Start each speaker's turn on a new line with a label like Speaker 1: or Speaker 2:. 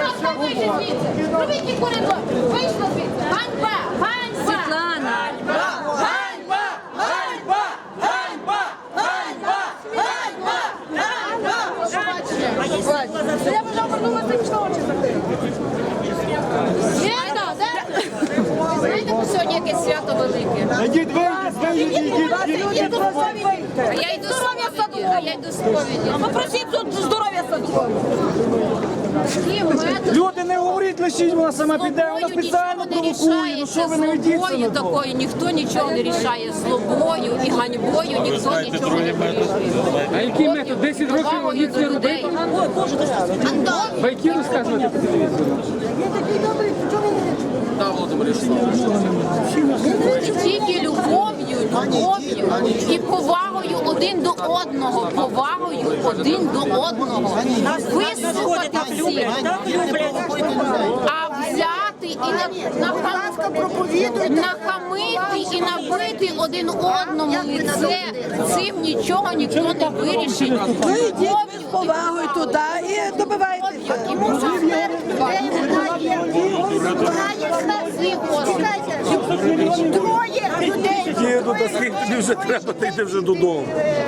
Speaker 1: ласка, вийшли звідси. Зробіть ті коридор. Вийшли звідси. Ганьба! Ганьба!
Speaker 2: Світлана!
Speaker 3: Ганьба! Ганьба! Ганьба! Ганьба! Ганьба! Ганьба!
Speaker 1: Я вже обернулася і пішла очі закрити. Знаєте, сьогодні якесь свято велике.
Speaker 4: Йдіть, вийдіть.
Speaker 1: А я йду з сповіді.
Speaker 2: Попросіть тут здоров'я садку.
Speaker 4: Люди, не говоріть, лишіть, вона сама піде, вона спеціально провокує. Ну що ви не ведіться на
Speaker 1: Злобою
Speaker 4: то?
Speaker 1: такою ніхто нічого не рішає. Злобою і ганьбою ніхто нічого не вирішує.
Speaker 5: А який метод? 10 років
Speaker 1: Повагою
Speaker 5: ніц
Speaker 1: до
Speaker 5: не
Speaker 1: людей.
Speaker 5: робити? Байки розказувати по телевізору?
Speaker 1: Тільки любов'ю і повагою один до одного, вислухати всіх, а взяти і нахамити і набити один одному лице, цим нічого ніхто не вирішить.
Speaker 6: Ви йдіть з повагою туди і добивайтеся.
Speaker 4: Їду, та скільки тобі вже треба, ти йди вже додому.